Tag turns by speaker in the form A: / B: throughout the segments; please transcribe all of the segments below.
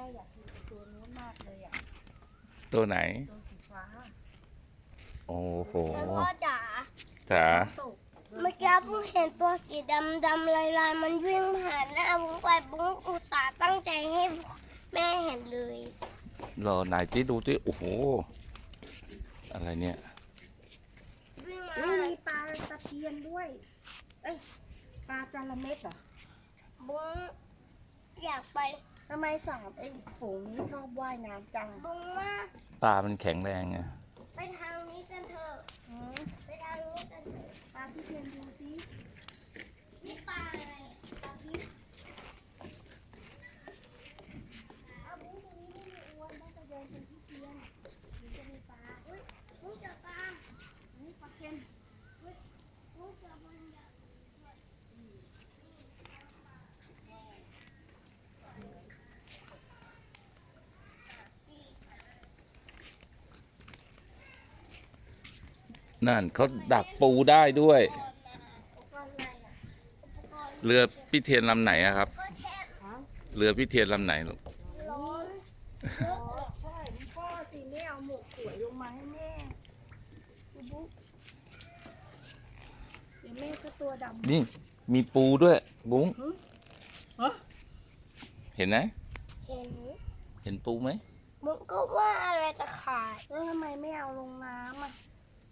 A: อยากกินตัวนู้นมากเลยอ่ะ
B: ตัวไหน
A: ตัวสีฟ้า
B: โอ้โห
C: พ่อจ๋า
B: จ๋า
C: เมื่อกี้บุ้งเห็นตัวสีดำลายมันวิ่งผ่านหน้าบุ้งไปบุ้งอุตส่าห์ตั้งใจให้แม่เห็นเลย
B: รอไหนที่ดูที่โอ้โหอะไรเนี่ย
A: มีปลาตะเพียนด้วยเอ้ยปลาจระเม็ดเหรอ
C: บุ้งอยากไป
A: ทำไมสามไอ้ฝูงนี้ชอบว่ายน้ำจัง
C: บุ้งว่า
B: ปลามันแข็งแรงไง
C: ไปทางนี้กันเถอะไปทางนี้กันเถอะ
A: ปลาที่เพียนดูสิ
C: นี่ปลาอะไรปลาพิษ
A: เอาบุ้งตรงนี้ไม่มีอ้วนน่าจะเดินเป็นที่เพียนมันจะมีปลา
C: บุ้งเจอปลา
A: นี่ปลาเค็ม
C: บุ้งเจอมันใหญ่
B: นั่นเขาดักปูได้ด้วยเรือพี่เทียนลำไหนอะครับเรือพี่เทียนลำไหนลูก
A: ใช่พ่อสิแม่เอาหมวกสวยลงมาให้แม่บุ๊กเดี๋ยวแม่ก็ตัวดำ
B: นี่มีปูด้วยบุ้งเห็นไหมเห็นปูไหม
C: บุ้งก็ว่าอะไรตะข่าย
A: แล้วทำไมไม่เอาลงน้ำอ่ะ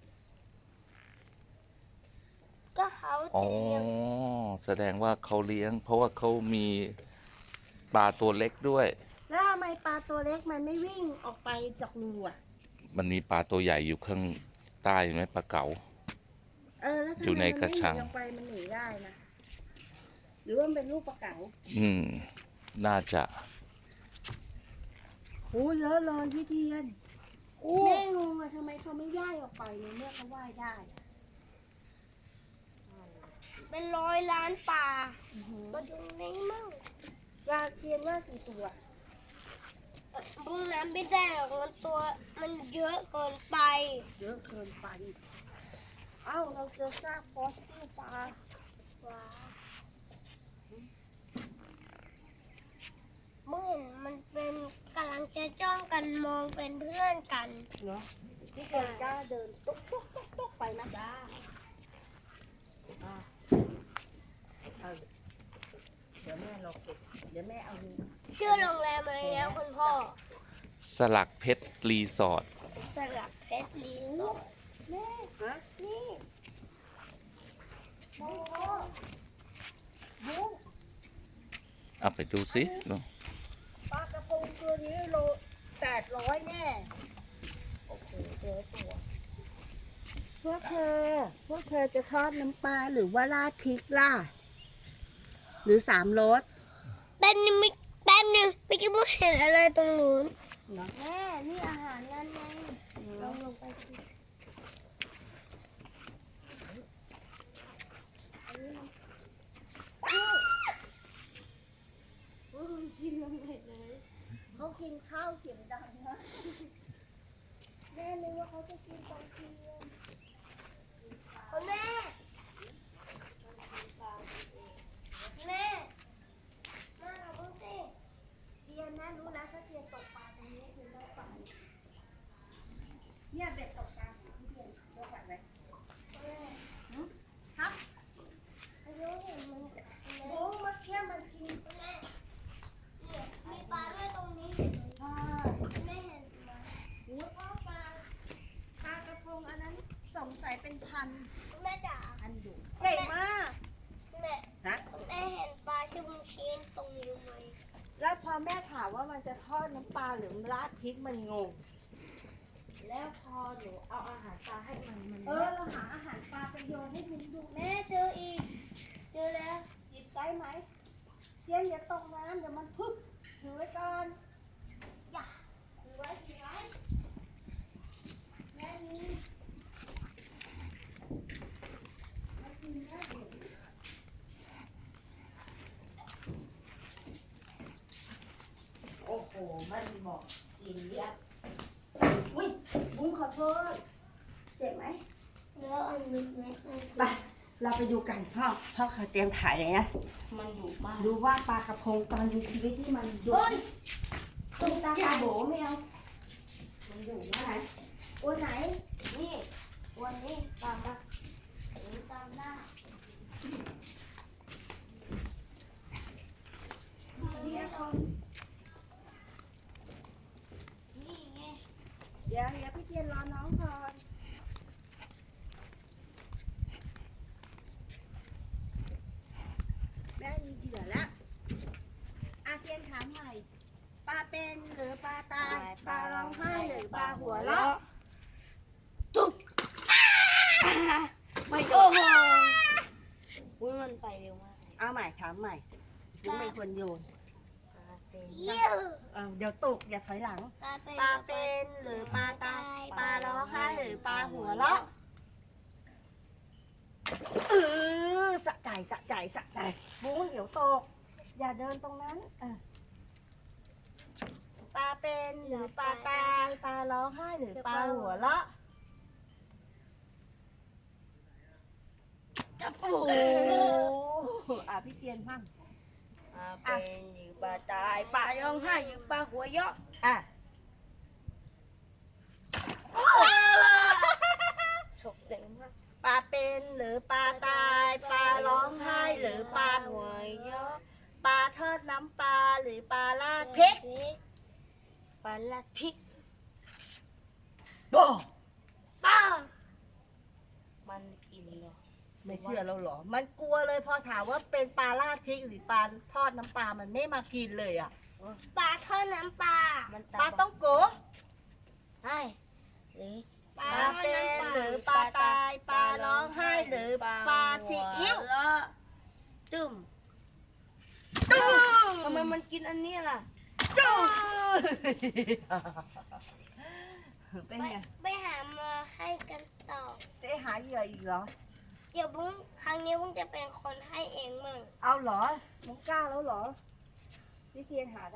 C: ก็เขา
B: อ๋อแสดงว่าเขาเลี้ยงเพราะว่าเขามีปลาตัวเล็กด้วย
A: แล้วทำไมปลาตัวเล็กมันไม่วิ่งออกไปจากรูอ่ะ
B: มันมีปลาตัวใหญ่อยู่ข้างใต้ไหมปลาเก๋า
A: แล้วอยู่ในกระชังลงไปมันหนีได้นะหรือว่ามันเป็นลูกปลาเก๋า
B: น่าจะ
A: โอ้เยอะเลยพี่เทียนแม่งงอะทำไมเขาไม่ย่ายออกไปในเมื่อเขาว่ายได้
C: เป็น100 ล้านปลามาดูนี้มั่ง
A: ปลาเทียนว่ากี่ตัว
C: บุ้งน้ำไม่ได้หรอกมันเยอะเกินไป
A: เยอะเกินไปเอ้าเราเจอซากฟอสซิลปลา
C: เมื่อมันเป็นกำลังจะจ้องกันมองเป็นเพื่อนกัน
A: เนาะที่เดินก้าเดินตุ๊กไปนะจ้าเดี๋ยวแม่รอเก็บเดี๋ยวแม่เอา
C: ชื่อโรงแรมอะไรนะคุณพ่อ
B: สลักเพชรรีสอร์ท
C: สลักเพชรรีสอร์ท
A: แม่นี่บุ๊ก
B: เอาไปดูสิ
A: ปลากระพงตัวนี้โล800แน่โอเคเจอตัวพวกเธอจะทอดน้ำปลาหรือว่าราดพริกล่ะหรือ3 รส
C: แป๊บนึงไม่คิดว่าเห็นอะไรตรงนู้นแม่นี่อาหารนั่นไงลงไปสิ
A: กินลงไปเลยเขากินข้าวเสียงดังนะแม่นึกว่าเขาจะกินตอนเที่ยง
C: คุณแม่เราเพิ่งสิ
A: เทียนนะรู้แล้วถ้าเทียนตกปลาตรงนี้คือได้ปลาเนี่ยเบ็ดตกปลาที่เทียนเลือกแบบไหนครับ
C: ไม่รู้เห็นมัน
A: โอ้เมื่อกี้มันกิน
C: แม่มีปลาด้วยตรงนี้แม่เห็นไหม
A: โอ้พ่อปลากระพงอันนั้นสงสัยเป็นพัน
C: แม่จ๋า
A: พันดุเก่งมาก
C: แม่เห็นปลาชื่อบุญชีนตรงนี้ไหม
A: แล้วพอแม่ถามว่ามันจะทอดน้ำปลาหรือราดพริกมันงงแล้วพอหนูเอาอาหารปลาให้มันเราหาอาหารปลาไปโยนให้มันดู
C: แม่เจออีกเจอแล้ว
A: หยิบได้ไหมเทียนอย่าตกน้ำเดี๋ยวมันพึ่งถือไว้ก่อนอย่าถือไว้แม่นี่โอ้โหมันเหมาะกินเยอะอุ้ยบุ้งขอโทษเจ็บไหม
C: แล้วอันนี้ไหม
A: ไปเราไปดูกันพ่อเขาเตรียมถ่ายเลยนะ
C: มันดุมาก
A: ดูว่าปลากระพงตอนมีชีวิตที่มันดุตุ้งตาตาโบไม่เอามันอยู่ไหนตัวไหนนี่ตัวนี้ตามมาตัวนี้ตามหน้าเดี๋ยวก่อน
C: นี่ไง
A: เดี๋ยวพี่เทียนรอน้องก่อนแม่มีเหยื่อแล้วอาเทียนถามใหม่ปลาเป็นหรือปลาตายปลาร้องไห้หรือปลาหัวเราะจุ๊บ
C: ไม่โอ้โหอุ้ยมันไปเร็วมากเลย
A: เอาใหม่ถามใหม่ถึงเป็นคนโยน
C: เยี่ยม
A: เดี๋ยวตกอย่าถอยหลัง
C: ปลาเป็น
A: ปลาเป็นหรือปลาตายปลาร้องไห้หรือปลาหัวเราะสะใจสะใจสะใจบุ้งเดี๋ยวตก อย่าเดินตรงนั้นปลาเป็นหรือปลาตายปลาร้องไห้หรือปลาหัวเราะจับโอ้โหพี่เจียนมั่ง
C: ปลาเป็นหรือปลาตายปลาร้องไห้หรือปลาหัวเราะ
A: อ่ะ
C: ฉกเร็วมาก
A: ปลาเป็นหรือปลาตายปลาร้องไห้หรือปลาหั
C: หั
A: ว
C: วเราะ
A: ปลาทอดน้ำปลาหรือปลาราดพริก
C: ปลาลาดพริก
A: บ่
C: ป้ามันกินเนาะ
A: ไม่เชื่อเราเหรอ มันกลัวเลยพอถามว่าเป็นปลาราดพริกหรือปลาทอดน้ำปลามันไม่มากินเลยอ่ะ
C: ปลาทอดน้ำปลา มัน
A: ปลาต้องโกะ
C: ใช่หรือ
A: ปลาเป็นหรือปลาตายปลาร้องไห้หรือปลาซีอิ๊ว
C: ตึ้ม
A: ตู้
C: ทำไมมันกินอันนี้ล่ะ
A: ตู้เป็นไง
C: ไปหามาให้กันต่อ
A: จะหาเหยื่ออีกเหรอ
C: เดี๋ยวบุ้งครั้งนี้บุ้งจะเป็นคนให้เองมั่ง
A: เอาเหรอมึงกล้าแล้วเหรอพี่เทียนหา